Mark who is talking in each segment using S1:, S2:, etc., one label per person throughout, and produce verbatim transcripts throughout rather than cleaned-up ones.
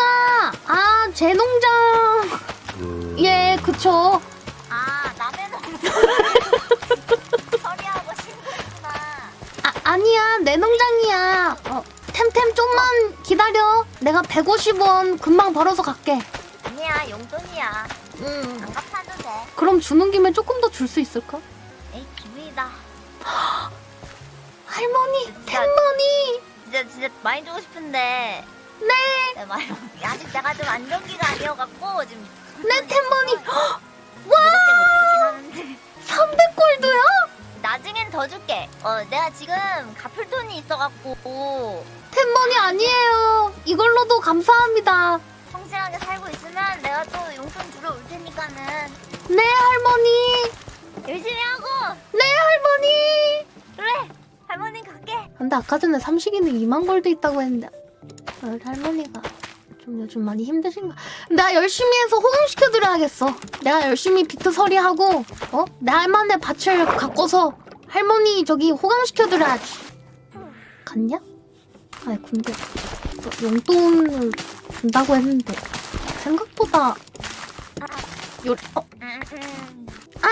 S1: 안녕하십니까. 아, 제 농장. 예, 그쵸.
S2: 아, 남의 농장 처리하고 신고했구나.
S1: 아, 아니야, 내 농장이야. 어, 템템 좀만 기다려. 내가 백오십 원 금방 벌어서 갈게.
S2: 아니야, 용돈이야.
S1: 음.
S2: 안 갚아도 돼.
S1: 그럼 주는 김에 조금 더 줄 수 있을까?
S2: 에이, 기분이다.
S1: 할머니,
S2: 진짜-
S1: 템머니.
S2: 진짜 진짜 많이 주고 싶은데.
S1: 네,
S2: 네, 많이. 아직 내가 좀 안정기가 아니어갖고 지금.
S1: 네, 템머니.
S2: 와. 밖에 못 주긴 하는데.
S1: 삼백 골드요?
S2: 나중엔 더 줄게. 어, 내가 지금 갚을 돈이 있어갖고
S1: 템머니 아니에요. 이걸로도 감사합니다.
S2: 성실하게 살고 있으면 내가 또 용돈 주러 올 테니까는
S1: 네, 할머니.
S2: 열심히 하고.
S1: 네, 할머니.
S2: 그래. 할머니 갈게.
S1: 근데 아까 전에 삼식이는 이만 골드 있다고 했는데 어, 할머니가 좀 요즘 많이 힘드신가? 내가 열심히 해서 호응시켜드려야겠어. 내가 열심히 비트 서리하고 어? 내 할머니 밭을 가꿔서 할머니 저기 호강시켜드려야지. 갔냐? 아니 근데 너 용돈을 준다고 했는데 생각보다 요... 어?
S2: 음, 음.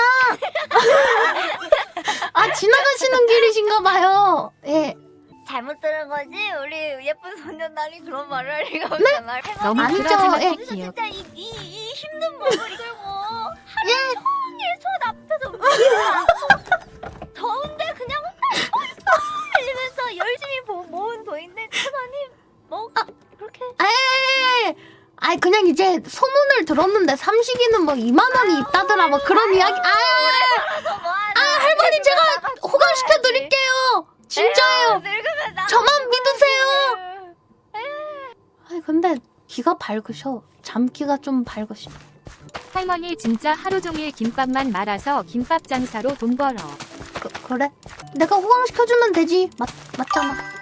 S1: 아 지나가시는 길이신가봐요. 예.
S2: 잘못 들은 거지? 우리 예쁜 소년단이 그런 말을 할 리가 없잖아.
S3: 너무
S1: 아니죠.
S3: 그러지만
S1: 예.
S3: 귀여워.
S2: 진짜 이, 이, 이 힘든 몸을 이끌고 하루
S1: 예.
S2: 종일 손 앞에서 움직이고 더운데 그냥 달리면서 열심히 모, 모은 돈인데 천 원이 뭐 그렇게
S1: 에이, 아이 그냥 이제 소문을 들었는데 삼식이는 뭐 이만 원이 있다더라 뭐 그런 이야기. 아,
S2: 벌어서 뭐
S1: 아 할머니 제가 호강시켜 드릴게요. 진짜예요.
S2: 늙으면 나
S1: 저만 믿으세요. 아이 근데 귀가 밝으셔. 잠귀가 좀 밝으셔.
S3: 할머니 진짜 하루 종일 김밥만 말아서 김밥 장사로 돈 벌어.
S1: 그, 그래? 내가 호강시켜주면 되지. 맞 맞잖아.